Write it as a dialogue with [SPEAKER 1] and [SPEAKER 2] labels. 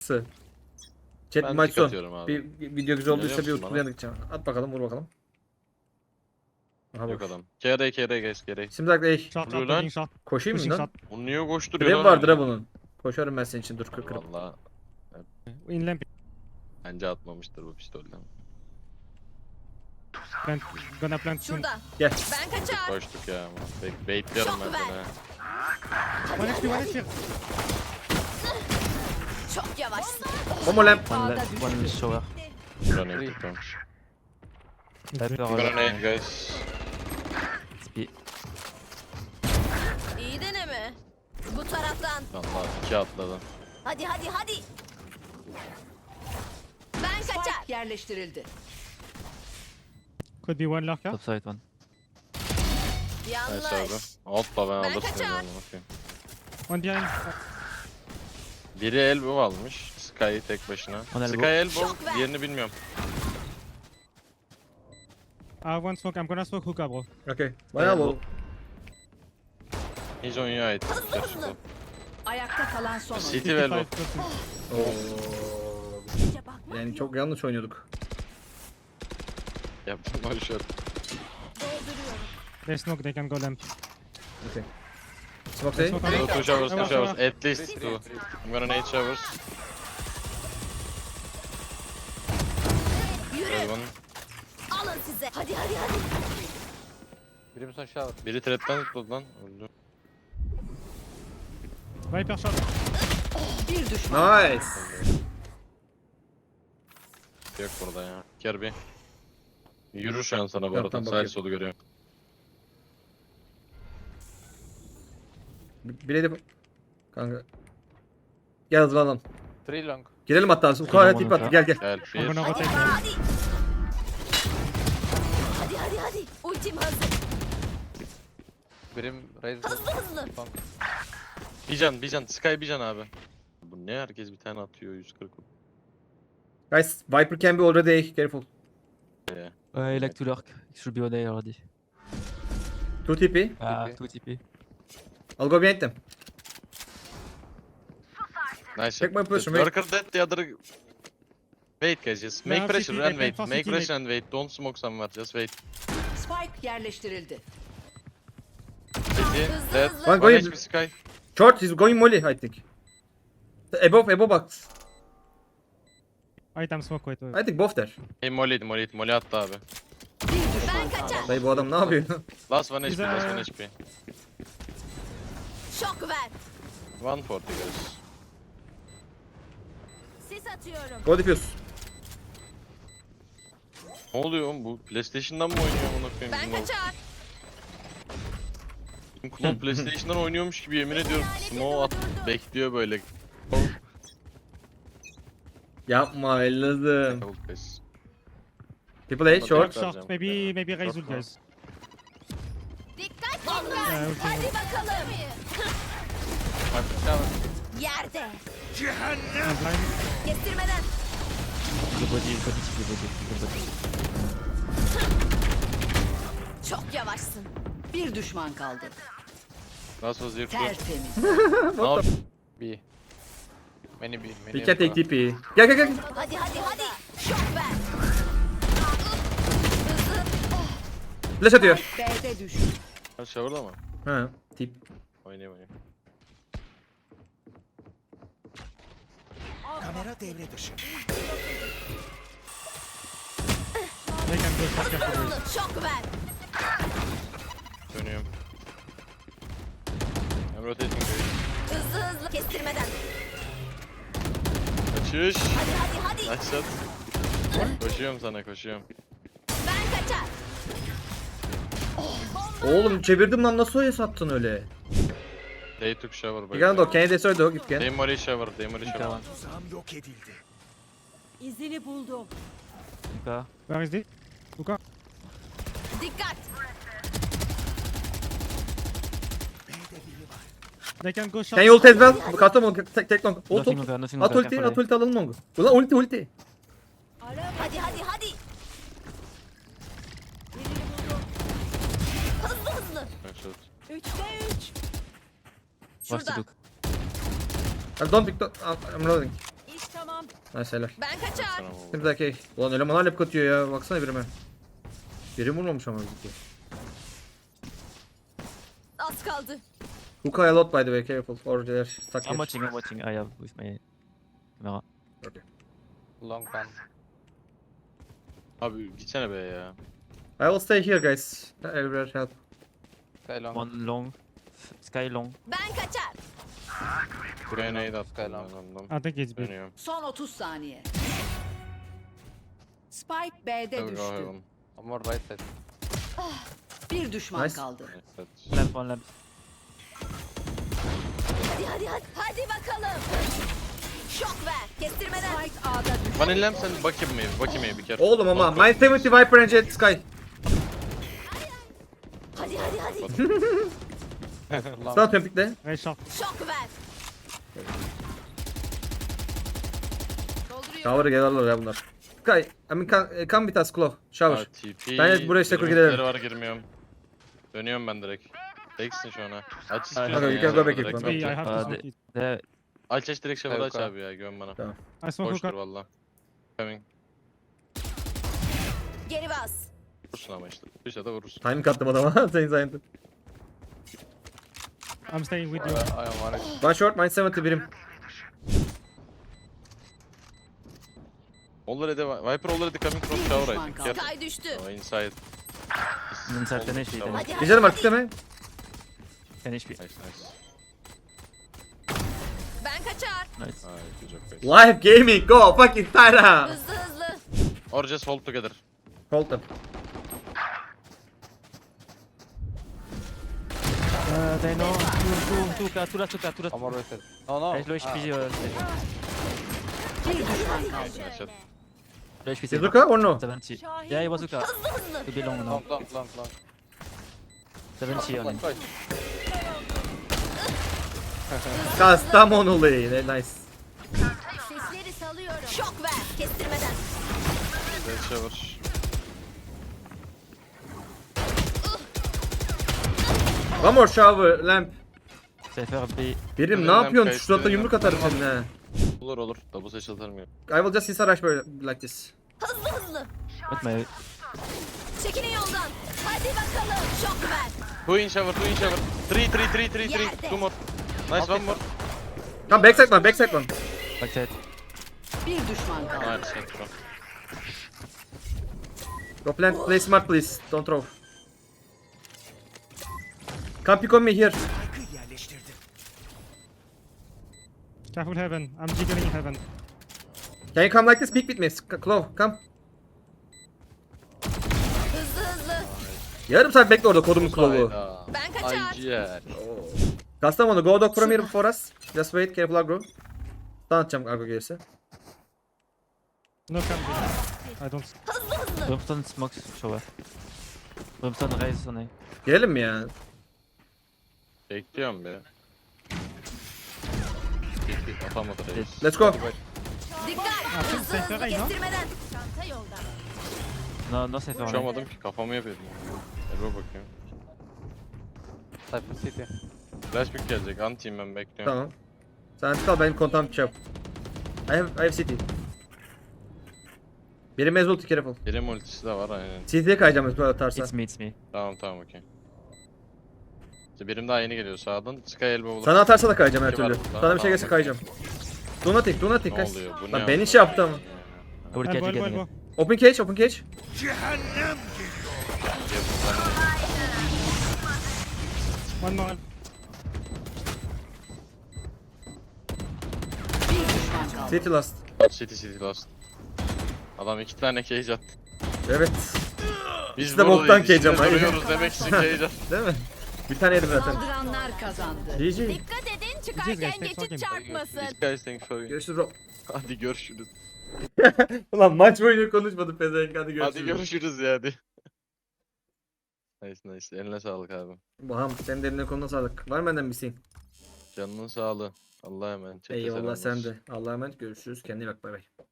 [SPEAKER 1] kısı. Chat
[SPEAKER 2] Ben
[SPEAKER 1] maç
[SPEAKER 2] dik
[SPEAKER 1] son.
[SPEAKER 2] atıyorum abi.
[SPEAKER 1] Bir video güzel olduysa bir
[SPEAKER 2] Geliyor musun
[SPEAKER 1] utkuya gideceğim. At bakalım vur bakalım. Aha
[SPEAKER 2] Yok
[SPEAKER 1] boş.
[SPEAKER 2] adam. Kere guys kere.
[SPEAKER 1] Şimdi bak ey.
[SPEAKER 3] Short,
[SPEAKER 2] Vuruyor
[SPEAKER 3] short,
[SPEAKER 2] lan.
[SPEAKER 3] pushing short.
[SPEAKER 1] Koşayım mı
[SPEAKER 3] Pushing
[SPEAKER 1] lan?
[SPEAKER 3] short.
[SPEAKER 2] Onu niye koşturuyor
[SPEAKER 1] Trap
[SPEAKER 2] lan
[SPEAKER 1] vardır ha
[SPEAKER 2] öyle?
[SPEAKER 1] bunun. Koşarım ben senin için dur kırıp.
[SPEAKER 2] Valla
[SPEAKER 3] In lamp.
[SPEAKER 2] bence atmamıştır bu pistolden.
[SPEAKER 3] Plant. Gonna plant soon.
[SPEAKER 4] Şurada.
[SPEAKER 1] Gel.
[SPEAKER 4] Ben kaçar.
[SPEAKER 2] Koştuk ya. Baitliyorum ben
[SPEAKER 4] Şok ver.
[SPEAKER 2] seni.
[SPEAKER 3] One HP, one HP.
[SPEAKER 4] Çok yavaşsın.
[SPEAKER 1] Momo lamp.
[SPEAKER 5] One shower.
[SPEAKER 2] Grenade tutuyorum.
[SPEAKER 5] Viper
[SPEAKER 2] Grenade guys.
[SPEAKER 5] XP.
[SPEAKER 4] İyi deneme. Bu taraftan.
[SPEAKER 2] Allah 2 atladı.
[SPEAKER 4] Hadi hadi hadi. Ben kaçar.
[SPEAKER 6] Spike yerleştirildi.
[SPEAKER 3] Could be one lurker.
[SPEAKER 5] Top side one.
[SPEAKER 2] Nice abi.
[SPEAKER 4] Yanlış.
[SPEAKER 2] Hoppa ben
[SPEAKER 4] Ben
[SPEAKER 2] alırsın.
[SPEAKER 4] kaçar.
[SPEAKER 2] ya, bakayım.
[SPEAKER 3] One behind.
[SPEAKER 2] Biri elbow almış. Sky tek başına.
[SPEAKER 5] On elbow.
[SPEAKER 2] Sky elbow.
[SPEAKER 4] Şok ver.
[SPEAKER 2] Diğerini bilmiyorum.
[SPEAKER 3] One smoke. I'm gonna smoke hookah, bro.
[SPEAKER 1] Okey. Bayağı bol.
[SPEAKER 2] He's on you ait.
[SPEAKER 4] hızlı.
[SPEAKER 6] Ayakta kalan son oyuncu.
[SPEAKER 2] City ve elbow.
[SPEAKER 3] 55%.
[SPEAKER 4] İyice bakmak
[SPEAKER 1] Yani
[SPEAKER 4] yok.
[SPEAKER 1] çok yanlış oynuyorduk.
[SPEAKER 2] Yaptım var şu an.
[SPEAKER 4] Dolduruyorum.
[SPEAKER 3] They smoke. They can go lamp.
[SPEAKER 1] Okey. Smoke say.
[SPEAKER 3] Smoke on.
[SPEAKER 2] Two showers, two
[SPEAKER 3] Tamam,
[SPEAKER 2] showers.
[SPEAKER 3] tamam.
[SPEAKER 2] At least two. I'm gonna nade showers.
[SPEAKER 4] Yürü.
[SPEAKER 2] One.
[SPEAKER 4] Alın size. Hadi hadi hadi.
[SPEAKER 5] Birim son shower.
[SPEAKER 2] Biri trapten tutuldu lan. Öldü.
[SPEAKER 3] Viper short.
[SPEAKER 6] Bir düşman.
[SPEAKER 1] Nice.
[SPEAKER 2] Yok burada ya. Kirby. Yürü şu an sana bu
[SPEAKER 1] Tamam,
[SPEAKER 2] arada.
[SPEAKER 1] tamam,
[SPEAKER 2] Sağ
[SPEAKER 1] bakıyorum.
[SPEAKER 2] solu görüyorum.
[SPEAKER 1] Bire de... Kanka. Gel hızlanalım.
[SPEAKER 5] 3 long.
[SPEAKER 1] Girelim hatta. Ukaya tip attı. Gel gel.
[SPEAKER 2] Gel
[SPEAKER 3] I'm
[SPEAKER 2] bir.
[SPEAKER 3] gonna
[SPEAKER 4] Hadi
[SPEAKER 3] rotate.
[SPEAKER 4] hadi. Hadi hadi hadi. Ultim hazır.
[SPEAKER 5] Birim raise.
[SPEAKER 4] Hızlı hızlı.
[SPEAKER 2] Bir can. Sky bir can abi. Bu ne herkes bir tane atıyor 140.
[SPEAKER 1] Guys, Viper can be already A. Careful.
[SPEAKER 5] I like to lurk. It should be on A already.
[SPEAKER 1] 2 TP.
[SPEAKER 5] Ah, 2 TP.
[SPEAKER 1] I'll go behind them.
[SPEAKER 2] Nice.
[SPEAKER 1] Check my position,
[SPEAKER 2] The
[SPEAKER 1] wait.
[SPEAKER 2] Worker dead, the other. Wait guys, just make
[SPEAKER 3] Yeah,
[SPEAKER 2] pressure
[SPEAKER 3] CT,
[SPEAKER 2] and
[SPEAKER 3] they
[SPEAKER 2] wait.
[SPEAKER 3] play for
[SPEAKER 2] Make
[SPEAKER 3] CT,
[SPEAKER 2] pressure and wait. Don't smoke somewhere. Just wait.
[SPEAKER 6] Spike yerleştirildi.
[SPEAKER 2] City
[SPEAKER 4] Hızlı
[SPEAKER 2] dead.
[SPEAKER 4] hızlı.
[SPEAKER 1] One
[SPEAKER 2] One
[SPEAKER 1] going.
[SPEAKER 2] HP Sky.
[SPEAKER 1] Short, he's going molly, I think. Above box.
[SPEAKER 3] Item smoke. Wait, wait.
[SPEAKER 1] I think both there.
[SPEAKER 2] Hey Molly attı abi.
[SPEAKER 6] Bir düşman
[SPEAKER 4] Ben
[SPEAKER 6] kaldı.
[SPEAKER 4] kaçar.
[SPEAKER 1] Dayı bu adam ne yapıyor?
[SPEAKER 2] Last one HP,
[SPEAKER 3] Güzel.
[SPEAKER 2] last one HP.
[SPEAKER 4] Şok ver.
[SPEAKER 2] 140 guys.
[SPEAKER 4] Sis atıyorum.
[SPEAKER 1] Go diffuse.
[SPEAKER 2] Ne oluyor oğlum bu? PlayStation'dan mı oynuyor amına koyayım?
[SPEAKER 4] Ben
[SPEAKER 2] bizim
[SPEAKER 4] kaçar.
[SPEAKER 2] oğlum? Klon PlayStation'dan oynuyormuş gibi yemin ediyorum. Smoke at bekliyor böyle.
[SPEAKER 1] Yapma ellezim.
[SPEAKER 2] Hold guys.
[SPEAKER 1] People A short.
[SPEAKER 3] Short. Maybe raise ult, guys.
[SPEAKER 4] Dikkat
[SPEAKER 3] Yeah,
[SPEAKER 4] dikkat.
[SPEAKER 3] okay.
[SPEAKER 4] Hadi bakalım. Yerde.
[SPEAKER 3] I'm blind.
[SPEAKER 4] Kestirmeden.
[SPEAKER 5] The body, the body.
[SPEAKER 4] Çok yavaşsın.
[SPEAKER 6] Bir düşman kaldı.
[SPEAKER 2] Last was here too.
[SPEAKER 6] Tertemiz.
[SPEAKER 2] Ne yap?
[SPEAKER 5] B. Many B.
[SPEAKER 1] We can take TP. Gel gel gel.
[SPEAKER 4] Hadi hadi hadi. Şok ver. Hızlı.
[SPEAKER 1] Flash atıyor.
[SPEAKER 6] B'de düştü.
[SPEAKER 2] Ha shower'da mı?
[SPEAKER 1] Ha, tip.
[SPEAKER 2] Oynayayım.
[SPEAKER 3] They can go short. Careful, guys.
[SPEAKER 4] Hızlı. Şok ver.
[SPEAKER 2] Dönüyorum. I'm rotating guys.
[SPEAKER 4] Hızlı hızlı. Kestirmeden.
[SPEAKER 2] Kaçış.
[SPEAKER 4] Hadi hadi hadi.
[SPEAKER 2] Nice shot. Koşuyorum sana koşuyorum.
[SPEAKER 4] Ben kaçar.
[SPEAKER 1] Oğlum çevirdim lan nasıl oya sattın öyle?
[SPEAKER 2] They took shower by.
[SPEAKER 1] You can do. Can you destroy the hook if you
[SPEAKER 2] They
[SPEAKER 1] can?
[SPEAKER 2] molly shower. They molly
[SPEAKER 5] Hookah
[SPEAKER 2] shower.
[SPEAKER 5] one.
[SPEAKER 6] İzini buldum.
[SPEAKER 5] Hookah.
[SPEAKER 3] Where is the? Hookah.
[SPEAKER 4] Dikkat.
[SPEAKER 3] They can go short.
[SPEAKER 1] Can you ult as well? Katam ult. Tek long. Ult
[SPEAKER 5] Nothing
[SPEAKER 1] ult.
[SPEAKER 5] hookah, nothing
[SPEAKER 1] At
[SPEAKER 5] hookah.
[SPEAKER 1] ulti,
[SPEAKER 5] Careful
[SPEAKER 1] at
[SPEAKER 5] A.
[SPEAKER 1] ulti alalım longu. Ulan ulti ulti.
[SPEAKER 4] Hadi hadi hadi. Hızlı hızlı.
[SPEAKER 2] Nice shot.
[SPEAKER 4] 3'te 3.
[SPEAKER 5] Watch the
[SPEAKER 4] Şurada.
[SPEAKER 5] hook.
[SPEAKER 1] Don't pick. I'm loading.
[SPEAKER 4] İş tamam.
[SPEAKER 1] Nice helal.
[SPEAKER 4] Ben kaçar.
[SPEAKER 2] Tamam oldu.
[SPEAKER 1] Bir dakika. Ulan elemanlar lep katıyor ya. Baksana birime. Biri vurmamış ama bizimki.
[SPEAKER 4] Az kaldı.
[SPEAKER 1] Hookah a lot by the way. Careful. Or they're stuck
[SPEAKER 5] I'm
[SPEAKER 1] here.
[SPEAKER 5] watching. I have with my camera.
[SPEAKER 1] Okay.
[SPEAKER 7] Long one.
[SPEAKER 2] Abi gitsene be ya.
[SPEAKER 1] I will stay here guys. Everywhere help.
[SPEAKER 7] Sky long.
[SPEAKER 5] One long. Sky long.
[SPEAKER 4] Ben kaçar.
[SPEAKER 2] Buraya neydi attım ben
[SPEAKER 7] Skyline.
[SPEAKER 2] ondan.
[SPEAKER 3] I think it's big.
[SPEAKER 2] Dönüyorum.
[SPEAKER 6] Son 30 saniye. Spike B'de
[SPEAKER 2] Tabii
[SPEAKER 6] düştü.
[SPEAKER 2] heaven.
[SPEAKER 7] One more right side.
[SPEAKER 6] Bir düşman
[SPEAKER 1] Nice.
[SPEAKER 6] kaldı.
[SPEAKER 2] Evet.
[SPEAKER 5] Lamp, one lamp.
[SPEAKER 4] Hadi. Hadi bakalım. Şok ver. Kestirmeden.
[SPEAKER 6] Spike A'da düştü.
[SPEAKER 2] Vanillem sen bakayım mı? Bakayım mı bir kere?
[SPEAKER 1] Oğlum ama. My 70 Viper and Jet Sky.
[SPEAKER 4] Hadi.
[SPEAKER 7] Long.
[SPEAKER 1] Sağ tepikle.
[SPEAKER 3] Very short.
[SPEAKER 4] Şok ver. Dolduruyor.
[SPEAKER 1] Shower'ı gelirler ya bunlar. Sky. I mean come with us Claw. Shower.
[SPEAKER 2] TP.
[SPEAKER 1] Ben de buraya secure
[SPEAKER 2] Limitleri
[SPEAKER 1] gidelim.
[SPEAKER 2] var girmiyorum. Dönüyorum ben direkt. Teksin şu an ha. Aç
[SPEAKER 5] Okay,
[SPEAKER 2] istiyorsan
[SPEAKER 1] you can
[SPEAKER 2] ya.
[SPEAKER 1] go back
[SPEAKER 2] Direkt
[SPEAKER 1] if
[SPEAKER 3] B, I
[SPEAKER 2] aç.
[SPEAKER 3] have to
[SPEAKER 5] Uh,
[SPEAKER 3] smoke it.
[SPEAKER 5] There.
[SPEAKER 2] Aç direkt şabada aç
[SPEAKER 7] Okay.
[SPEAKER 2] abi ya güven bana.
[SPEAKER 3] I smoke
[SPEAKER 2] Boştur
[SPEAKER 3] hookah.
[SPEAKER 2] valla. Coming.
[SPEAKER 4] Geri bas.
[SPEAKER 2] Vurursun ama işte. Bir şey de vurursun.
[SPEAKER 1] Timing attım adama. Senin sayende.
[SPEAKER 3] I'm staying with you.
[SPEAKER 7] I am one.
[SPEAKER 1] One short. My 70 birim.
[SPEAKER 2] Already Viper already coming from
[SPEAKER 6] Bir
[SPEAKER 2] shower I
[SPEAKER 6] düşman
[SPEAKER 2] think.
[SPEAKER 6] kaldı.
[SPEAKER 2] Gel.
[SPEAKER 4] Sky düştü.
[SPEAKER 2] Oh, inside.
[SPEAKER 5] Inside finish.
[SPEAKER 2] Tamam.
[SPEAKER 4] Hadi.
[SPEAKER 1] Güzelim artık değil mi?
[SPEAKER 5] Finish B.
[SPEAKER 2] Nice nice.
[SPEAKER 4] Ben kaçar.
[SPEAKER 5] Nice.
[SPEAKER 2] Ay good job guys.
[SPEAKER 1] Live gaming. Go fucking Tyra.
[SPEAKER 4] Hızlı.
[SPEAKER 2] Or just hold together.
[SPEAKER 1] Hold them.
[SPEAKER 5] They know. Two last.
[SPEAKER 7] One more right side. No no.
[SPEAKER 5] Hey, low HP.
[SPEAKER 6] Bir düşman kaldı.
[SPEAKER 2] Nice shot.
[SPEAKER 5] Low HP.
[SPEAKER 1] Is Hookah or no?
[SPEAKER 5] 70. Yeah, it was hookah.
[SPEAKER 4] Hızlı.
[SPEAKER 5] To be long now.
[SPEAKER 7] Long.
[SPEAKER 5] 70 only.
[SPEAKER 7] Right.
[SPEAKER 1] Kastamonulu. Nice.
[SPEAKER 4] Sesleri salıyorum. Şok ver. Kestirmeden.
[SPEAKER 2] Great shower.
[SPEAKER 1] One more shower lamp.
[SPEAKER 5] Safer B.
[SPEAKER 1] Birim ne
[SPEAKER 2] Lamp
[SPEAKER 1] yapıyorsun?
[SPEAKER 2] kayıt
[SPEAKER 1] Şurada
[SPEAKER 2] diyor.
[SPEAKER 1] yumruk atarım senin ha.
[SPEAKER 2] Olur. Double seçiltirim ya.
[SPEAKER 1] I will just inside rush böyle like this.
[SPEAKER 4] Hızlı.
[SPEAKER 5] With my.
[SPEAKER 4] Çekilin yoldan. Hadi bakalım. Şok ver.
[SPEAKER 2] Two in shower. Three.
[SPEAKER 4] Yerde.
[SPEAKER 2] Two more. Nice one more.
[SPEAKER 1] Tamam backside one, backside one.
[SPEAKER 5] Backside.
[SPEAKER 6] Bir düşman kaldı.
[SPEAKER 2] Nice shot bro.
[SPEAKER 1] Go plant, play smart please. Don't throw. Come pick on me here.
[SPEAKER 3] Careful heaven. I'm jiggling heaven.
[SPEAKER 1] Can you come like this? Peek with me. Claw, come.
[SPEAKER 4] Hızlı.
[SPEAKER 1] Yarım saat bekle orada kodumun Claw'u.
[SPEAKER 2] Hayda.
[SPEAKER 4] Ben kaçar.
[SPEAKER 2] Ay ciğer.
[SPEAKER 1] Kastamonu, go dog from here for us. Just wait, careful agro. Stun atacağım agro gelirse.
[SPEAKER 3] No can be. I don't.
[SPEAKER 5] Brimstone smokes shower. Brimstone raise on A.
[SPEAKER 1] Girelim mi ya?
[SPEAKER 2] Bekliyorum be. Atamadı reis.
[SPEAKER 1] Let's go.
[SPEAKER 4] Dikkat.
[SPEAKER 3] Atın, sesler ayı, no?
[SPEAKER 4] Kestirmeden. Çanta yolda.
[SPEAKER 5] No safer on A.
[SPEAKER 2] Uçamadım ki kafamı yapıyordum. Elime bakıyorum.
[SPEAKER 7] Cypher city.
[SPEAKER 2] Flash pick gelecek. Anti'yim ben bekliyorum.
[SPEAKER 1] Tamam. Sen kal benim kontağım çap. I have city. Biri mezul careful.
[SPEAKER 2] Benim ultisi de var aynen.
[SPEAKER 1] CT'ye kayacağım mezul atarsa.
[SPEAKER 5] It's me.
[SPEAKER 2] Tamam okey. İşte birim daha yeni geliyor sağdan. Sky elbow olur.
[SPEAKER 1] Sana atarsa da kayacağım her
[SPEAKER 2] İki var
[SPEAKER 1] türlü.
[SPEAKER 2] burada.
[SPEAKER 1] Sana bir şey
[SPEAKER 2] Tamam,
[SPEAKER 1] gelse
[SPEAKER 2] okey.
[SPEAKER 1] kayacağım. Do not think
[SPEAKER 2] Ne
[SPEAKER 1] guys.
[SPEAKER 2] oluyor? Bu
[SPEAKER 1] Lan
[SPEAKER 2] ne
[SPEAKER 1] beni
[SPEAKER 2] ya?
[SPEAKER 1] şey yaptı ama.
[SPEAKER 5] I will catch
[SPEAKER 3] Elbow,
[SPEAKER 5] again.
[SPEAKER 3] elbow.
[SPEAKER 1] Open cage, open cage.
[SPEAKER 3] One more.
[SPEAKER 6] Bir düşman kaldı.
[SPEAKER 1] City last.
[SPEAKER 2] City last. Adam 2 tane cage attı.
[SPEAKER 1] Evet.
[SPEAKER 2] Biz
[SPEAKER 1] İkisi de boktan
[SPEAKER 2] buradayız,
[SPEAKER 1] cage ama.
[SPEAKER 2] içinde duruyoruz demek için cage attı.
[SPEAKER 1] Değil mi? Bir tane yedim zaten.
[SPEAKER 6] Saldıranlar kazandı.
[SPEAKER 1] GG.
[SPEAKER 4] Dikkat edin çıkarken
[SPEAKER 3] Gideceğiz,
[SPEAKER 4] geçit
[SPEAKER 3] thanks for
[SPEAKER 4] çarpmasın.
[SPEAKER 2] Guys thank you for you.
[SPEAKER 1] Görüşürüz bro.
[SPEAKER 2] Hadi görüşürüz.
[SPEAKER 1] Ulan maç boyunca konuşmadı pezevenk, hadi görüşürüz.
[SPEAKER 2] Hadi görüşürüz ya hadi. Nice. Eline sağlık abi.
[SPEAKER 1] Baham senin de eline koluna sağlık. Var mı benden bir şeyin?
[SPEAKER 2] Canının sağlığı. Allah'a emanet. Chat'e
[SPEAKER 1] Eyvallah
[SPEAKER 2] selamlar.
[SPEAKER 1] sen de. Allah'a emanet, görüşürüz. Kendine iyi bak, bay bay.